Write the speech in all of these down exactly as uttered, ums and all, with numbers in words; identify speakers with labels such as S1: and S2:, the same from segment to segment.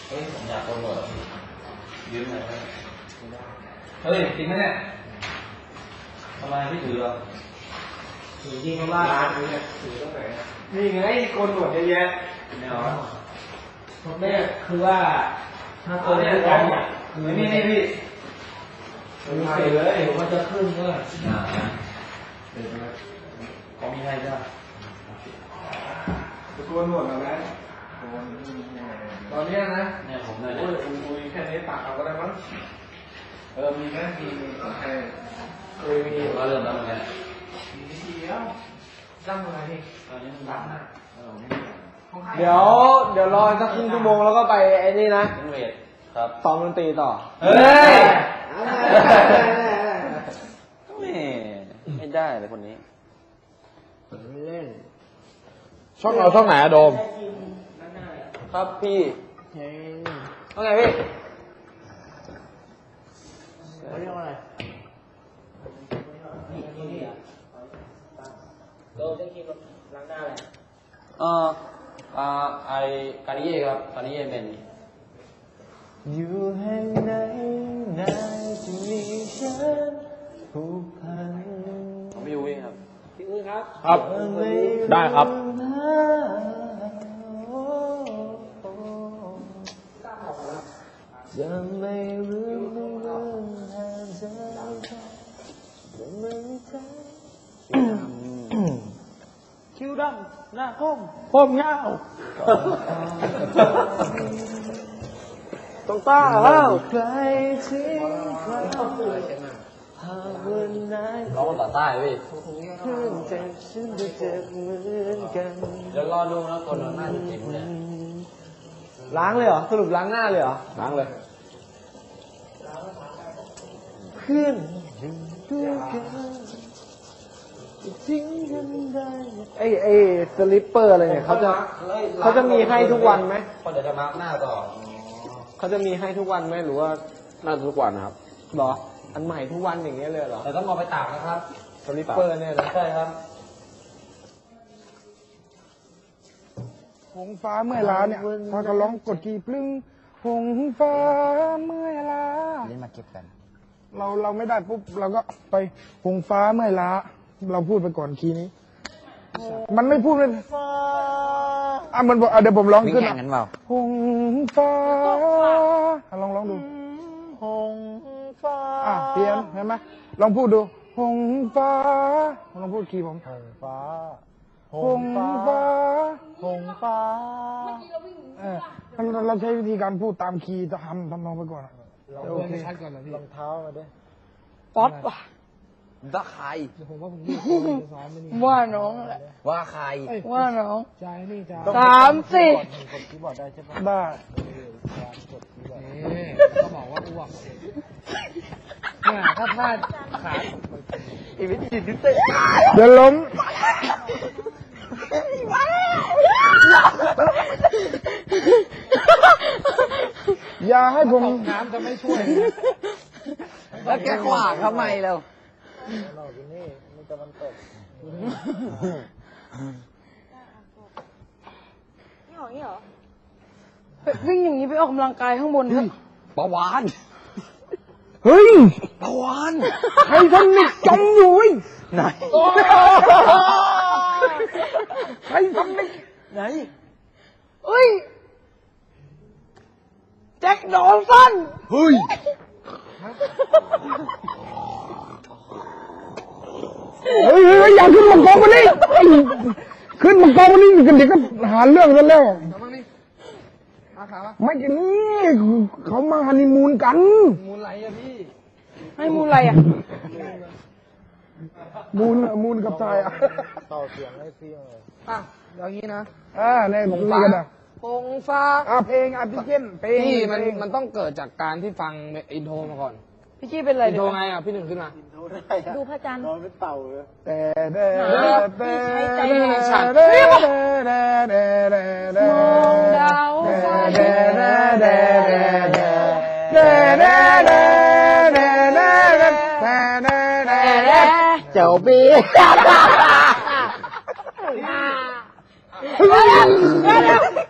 S1: เฮ้ยผมอยากโปรโมทยืมหน่อยเฮ้ยจริงไหมเนี่ยทำไมไม่ถือหรอถือจริงว่าร้านนี้เนี่ยถือตั้งไหนนี่ไงโกนหนวดเยอะแยะเนี่ยผมเนี่ยคือว่าถ้าตัวนี้กันเนี่ยคือนี่นี่พี่ถือเลยผมมันจะขึ้นก็อ่าเดี๋ยวนะเขามีให้จ้ะจะโกนหนวดหรือไงตอนนี้นะเนี่ยผมเลยโอ้ยอุ้ยแค่นี้ตักเอาก็ได้มั้งเออมีไหมมีมีใครเคยมีก็เริ่มแล้วเหมือนกันมีวิธีแล้วตั้งอะไรนี่ตอนนี้มันรักนะ
S2: เดี๋ยวเดี๋ยวรอสักครึ่งชั่วโมงแล้วก็ไปไอ้นี่นะ
S1: เวทครับ
S2: ซ้อมดนตรีต่อ
S1: เฮ้ยไม่ไม่ได้เลยคนนี้
S2: เล่นช่องเราช่องไหนอะโดม
S1: ครับพี่
S2: ว่าไงพี่เรียกว่าอะไรโดมได้คิดล้างหน้าอะไร
S1: เอออ่าไอการนิเย่ครับการนิเย่เมน
S2: อยู่แห่งไหนไหนจะมีฉันผูกพัน
S1: ผมพี่อุ้ยครับ
S2: พี่อุ้ยครับ
S3: ครับได้ครับ
S2: จะไม่รู้เรื่องหาใจจะไม่ใช่คิวดำหน้าคมผมเงาต้องต้าแล้วใครทิ้งใครหากวันไหน
S1: ร้องภาษาใต้พี่
S2: เพื่อนเจ็บฉันจะเจ็บเหมือนกัน
S1: เดี๋ยวรอดูนะคนเราหน้าจะเจ็บเนี่ย
S2: ล้างเลยเหรอสรุปล้างหน้าเลยเหรอ
S3: ล้างเลย
S2: เพื่อนด้วยกันทิ้งกันได้ไอ้ไอ้สลิปเปอร์อะไรเนี่ยเขาจะเขาจะมีให้ทุกวันไหม
S1: คนเดี๋ยวจะมาร์กหน้าต่อ
S2: เขาจะมีให้ทุกวันไหมหรือว่า
S3: น่าจะทุกวันนะครับ
S2: หรออันใหม่ทุกวันอย่างเงี้ยเลยเหรอ
S1: แต่ต้องเอาไปตากนะครับ
S2: สลิปเปอร์เนี่ยนะ
S1: ใช่ครับ
S3: หงฟ้าเมื่อล้าเนี่ยพอก็ร้องกดกี่ปลึ้งหงฟ้าเมื่อล้า
S1: เล่นมาเก็บกัน
S3: เราเราไม่ได้ปุ๊บเราก็ไปหงฟ้าเมื่อล้าเราพูดไปก่อนคีย์นี้มันไม่พูดเลยอ่ะมันบอกเดี๋ยวผมร้องขึ้นอ่ะหงฟ้าลองร้องดู
S2: หงฟ้า
S3: อ่ะเปลี่ยนเห็นไหมลองพูดดูหงฟ้าลองพูดคีย์ผม
S2: หงฟ้า
S3: หงฟ้า
S2: หงฟ้า
S3: เออเราเราใช้วิธีการพูดตามคีย์ทำทำนองไปก่อน
S2: โอเคชัดก่อนนะพี่รองเท้ามาด้วย
S1: ป๊อปว่ะตะไคร้
S2: ผมว่าผมดีซ้อมไม่นี่
S1: ว่าน้องแหละว่าใคร
S2: ว่าน้อง
S3: ใจนี่จ้า
S2: สามสิบ
S3: กดคีย์บอร์ดได้ใช่ปะ
S2: ได้
S3: กดคีย์บอร์ด
S2: เขาบอกว่าอ้วกเนี่ยถ้าพลาดขาอีวิจิตดิเต้
S3: เดี๋ยวล้มอย่าให้ผม
S2: น้ำจะไม่ช่วย
S1: แล้วแกขวางทำไมเรา
S2: เราอยู่นี่มันจะมันตก
S4: นี่หรอนี่หรอวิ่งอย่างนี้ไปออกกำลังกายข้างบนครับ
S1: ปะวาน
S3: เฮ้ย
S1: ปะวาน
S3: ใครทำนิดจมอยู่
S1: ไหน
S3: ใครทำนิด
S1: ไหน
S4: เฮ้ยแจ็คดอลสัน
S3: เฮ้ยเฮ้ยเฮ้ยอย่าขึ้นมากองมันนี่ขึ้นมากองมันนี่กันเดี๋ยวก็หาเรื่องกันแล้วไม่กันนี่เขามาฮันนีมูนกัน
S2: มูนอะไรอะพี่
S4: ให้มูนอะไรอะ
S3: มูนมูนกับทรายอะ
S2: ต่อเสียงให้เสียงเลยอ่ะอย่างนี้นะ
S3: อ่าในผมนี่กันนะ
S2: หงฟ้า
S3: อ่ะเพลงอ่ะพี่เจนเพลง
S2: พี่มันมันต้องเกิดจากการที่ฟังอินโทรมาก่อน
S4: พี่จี้เป็นอะไร
S2: อินโทรไงอ่ะพี่หนึ่งขึ้นมา
S4: ดูพระจันทร์นอน
S3: เป็นเต่าเลยแต่เด้
S4: แต่
S2: ฉัน
S4: มองดาว
S2: เจ้าบี
S4: เ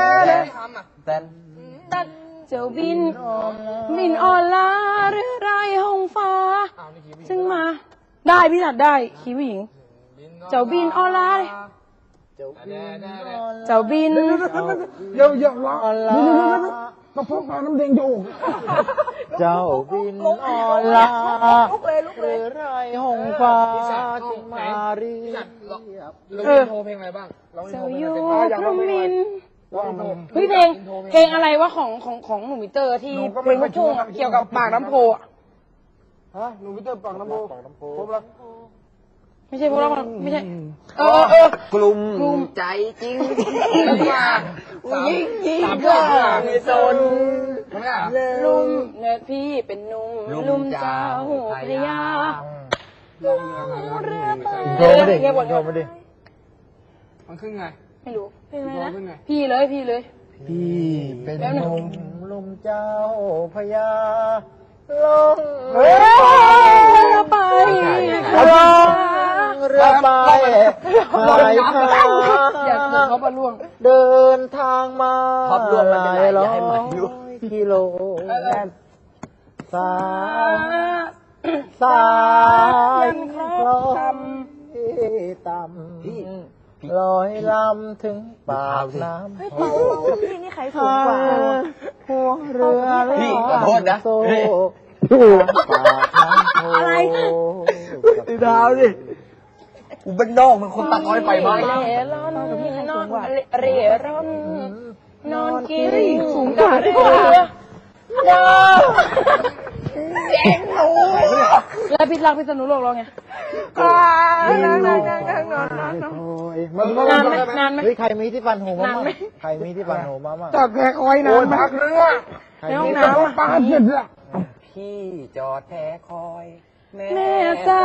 S2: แต่
S4: ตัดเจ้าบินบินอ่อนล้าหรือไรห้องฟ้าซึ่งมาได้พี่ถัดได้คีย์ผู้หญิงเจ้าบินอ่อนล้าเลยเจ้าบิน
S3: เดี๋ยวเดี๋ยวร้องเดี๋ยวเดี๋ยวเดี๋ยวกระเพาะปลาน้ำแดงจะออก
S2: เจ้าบินออนลาหรือไรหงฟ้าจึงมาเรียบ
S4: เออ
S1: โทรเพลงอะไรบ้างเรา
S4: เจ้า
S1: โทรเพลง
S4: อยู่
S1: อะไร
S4: พรหมิน
S3: ว่ามัน
S4: เฮ้ยเพลงเพลงอะไรวะของของของหนุ่มมิเตอร์ที่เพลงลูกทุ่งอะเกี่ยวกับปากน้ำโพอะ
S3: ฮะหนูวิเตอร์ปากน้ำโพครบแล้ว
S4: ไม่ใช่พวกเราไม่ใช่เออเออก
S2: ลุ่ม
S4: กลุ่ม
S2: ใจจริง
S1: ยิ่งยิ่ง
S2: สามยอดมีโซน
S1: ทำไมอ่ะ
S4: ลุมเนิดพี่เป็นหนุ่มลุมเจ้าพระยาเรือไป
S2: โทรมาดิ
S4: เรียกว่า
S2: โทรมาดิ
S1: มันขึ้นไง
S4: ไม่รู้เพลงอะไร
S1: โทรขึ้นไง
S4: นะพี่เลยพี่เลย
S2: พี่เป็นหนุ่มลุมเจ้าพญาลง
S4: เรือไป
S2: ลงเรือไปหายทาง
S4: อย่าเกิดเขาบรรลุง
S2: เดินทางมาหลายร้อยกิโลสายสายคลองต่ำลอยลำถึงปากน้ำ
S4: พี่นี่ใครสูงกว่า
S2: หัวเรือพี่ขอโทษนะโซ่อะไรตีดาวดิกูเป็นนอกมันคนตัดอ้อยไปบ้าง
S4: เร่ร่อนนอนเร่ร่อนนอนกินสูงกว่าเรือเด้อแล้วพิษรักพิษณุโลกเราไงนั่งนั่งนั่งนั่งนอนนอนนอนนานไหมนานไหม
S2: เฮ้ยใครมีที่ฟันหูมาบ้างใครมีที่ฟันหูมาบ้าง
S3: จอดแพคอยนะพักเรือ
S4: ในห้องน้ำ
S3: ปลาเสร็จแล้ว
S2: พี่จอดแท้คอย
S4: แม่สาว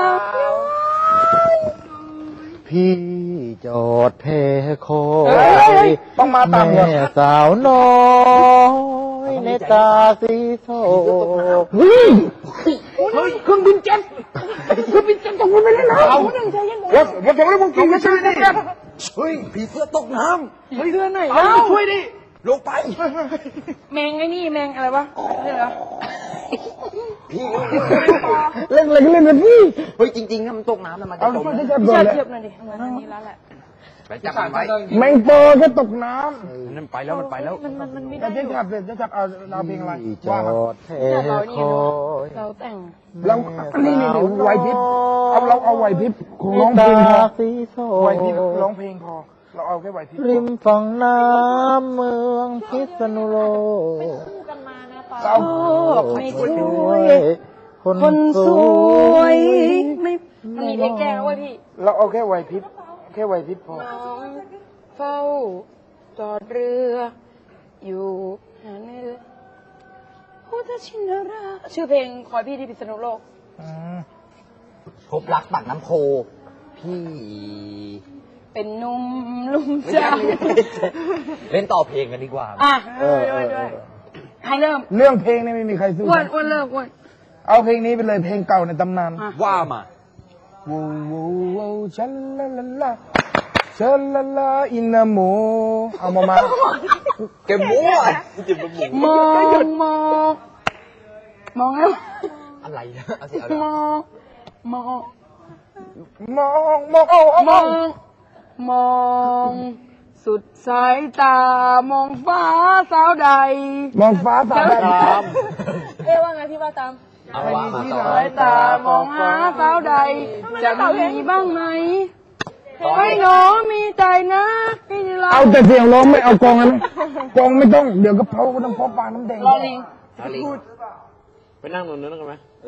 S2: พี่จอดแท้คอ
S3: เฮ้
S2: ย
S3: ยต้องมาตาม
S2: แม่สาวน้อยในตาสีโศก
S3: เฮ้ยเฮ้ยเครื่องบินเจ็ตเครื่องบินเจ็ตตกลงไปแล้วนะเอาวัดวัดวัดแล้วมึงกินไม่ใช่ดิ
S2: เฮ้ยผีเสื้อตกน้
S4: เฮ้ยเรือไหน
S3: เอา
S4: แล้ว
S3: ช่วยดิ
S2: ำลงไป
S4: แมงไอ้นี่แมงอะไรวะใช่เหรอ
S2: พี่
S3: เล่นอะไรก็เล่นกันพี่
S2: เฮ้ยจริงๆถ้ามันตกน้ำแล้วมันจะ
S3: เอา
S2: จม
S3: ช่วย
S2: นะ
S3: ที่จะ
S4: พี่
S3: โด
S4: ชาน ติ
S3: เลย
S4: เทียบหน่อยดิเหมือนอันนี้แล้วแหละ
S2: ไปจับมันไว้
S3: แมงโปแค่ตกน้
S2: นั่นไปแล้วมันไปแล้ว
S4: มันมันมันไม่
S3: ำ
S4: ได้
S3: แต่จะจับเลยจะจับเอาเอาเพลงอะไร
S2: พี่จ
S3: ว่า
S2: อ
S3: มา
S2: ดแท้
S4: พี่ชาติเรา
S2: ค
S4: นี่
S2: อ
S4: ดู
S2: ย
S4: เราแต่ง
S3: เรานี่นี่ไหวพริบเอาเราเอาไหวพริบของร้องเพลงพอ
S2: สีโศ
S3: ไหวพริบ
S2: ก
S3: ร้องเพลงพอเราเอาแค่ไหวพริบ
S2: ริมฝั่งน้ำเมืองพิษณุโลก
S3: เรา
S4: ไม่
S2: ช่
S4: ช่
S2: ว
S4: วย
S2: ยคน
S4: คนส
S2: ส
S4: ว
S2: วย ย
S4: ไม่มันมีเพลงแก้แล้วเว้ยพี่
S3: เราเอาแค่ไหวพริบแค่ไหวพริบพอ
S4: น้องเฝ้าจอดเรือ อยู่หาในเรือพุทธชินราชชื่อเพลงคอยพี่ที่พิษณุโลก
S2: พบรักปากน้ำโพ พี่
S4: เป็นหนุ่มลุมเจ้า
S2: เล่นต่อเพลงกันดีกว่า
S4: อ่ะ
S2: เออ
S4: ด้วย
S2: เออ
S4: ด้วยให้เริ่ม
S3: เรื่องเพลงนี่ไม่มีใครสู้
S4: อ้วนอ้วนเริ่มอ้วน
S3: เอาเพลงนี้ไปเลยเพลงเก่าในตำนาน
S4: อ่ะ
S2: ว่ามา
S3: วูวูวูชัลลาลาลาชัลลาลาอินาโมเอามามา
S2: เก็บมั่วจิบหมู
S4: มองมองมองแล้ว
S2: อะไรนะเอาสิเอา
S4: มองมอง
S3: มองมองเอาเอา
S4: ม
S3: เอา
S4: องมองสุดสายตามองฟ้าสาวใด
S3: มองฟ้าสาด
S2: ตาม
S4: เอ๊ะว่าไงพี่ว่าตาม
S2: เอาว่ามาต่อ
S4: สายตามองหาสาวใด จะมีบ้างไหมให้หนูมีใจนะให้เรา
S3: เอาแต่เสียงร้องไม่เอากองนะกองไม่ต้องเดี๋ยวก็เพราน้ำเพาะปลาน้ำแดง
S4: รอลิง
S2: เอาลิง
S1: ไปนั่งตรงนั้นกันไหม
S3: ฮะ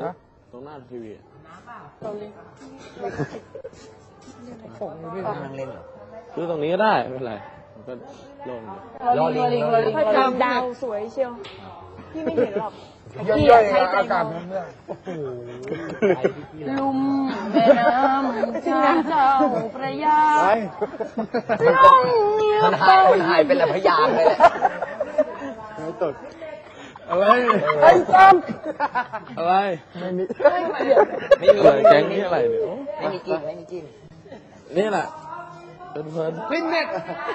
S2: ตรงหน้าทีวี
S4: เราเลย
S2: นั่งเล่นเหรอซื้อตรงนี้ก็ได้ไม่เป็นไรมันก็โล่งอยู่
S4: เราลิงเราลิงเราลิง
S5: ดาวสวยเชียว พี่ไม่เห็นหรอก
S3: ย่อยๆอากาศมันเนี่ย
S4: ลุมแม่น้ำเจ้าเจ้าพระยา
S3: ไป
S4: ลงเงียบ
S2: มันหายมันหายเป็นละพยางเลยแหละ
S3: ไม่ตดอะไร
S4: ไอ้ซ้
S2: อะไร
S3: ไม่มี
S2: ไม่มีแก๊งนี้อะไรเนี่ยไม่มีกินไม่มีกินนี่แหละเพลินๆ
S1: ฟินเน็ต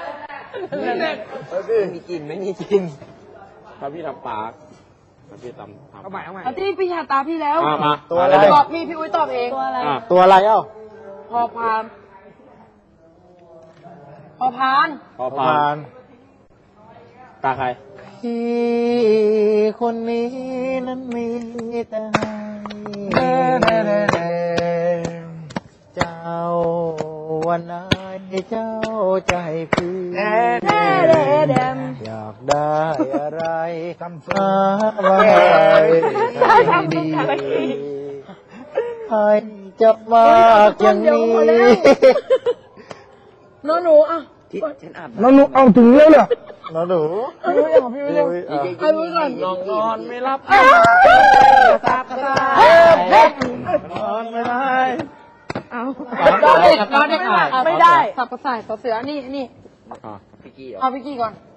S2: ไม่มีกินไม่มีกินถ้าพี่ทำปากถ้าพี่ทำทำ
S1: เอาใหม่เอาใหม่
S4: ำเอาที่พี่ชาตาพี่แล้ว
S2: มามา
S3: ตัวอะไร
S4: ตอบพี่พี่อุ้ยตอบเองตัวอะไร
S2: อ่ะ
S3: ตัวอะไรเอ้า
S4: พอพานพอพาน
S2: พอพานตาใคร
S3: พี่คนนี้นั้นมีแต่ให้เจ้าวันไหนเจ้าใจพี่
S4: แด่แด่แดม
S3: อยากได้อะไรหามาให้ดีให้จับมากอย่างนี้
S4: น้องหนูอ่ะ
S3: น้องหนูเอาถึงแล้วเหรอน้องหนู
S4: พี่อุ้ยของพี่อุ้ยเร็ว
S3: อ่ะ
S4: เอาอุ้ยก่อน
S2: นอนนอนไม่รับ
S4: ตาตา
S3: นอนไม่ได้
S4: เอานอนเด็กนอนเด็กไม่ได้สับกระส่ายต่อเสือนี่นี่
S2: อ่ะพี่กี้เหรอ
S4: เอาพี่กี้ก่อน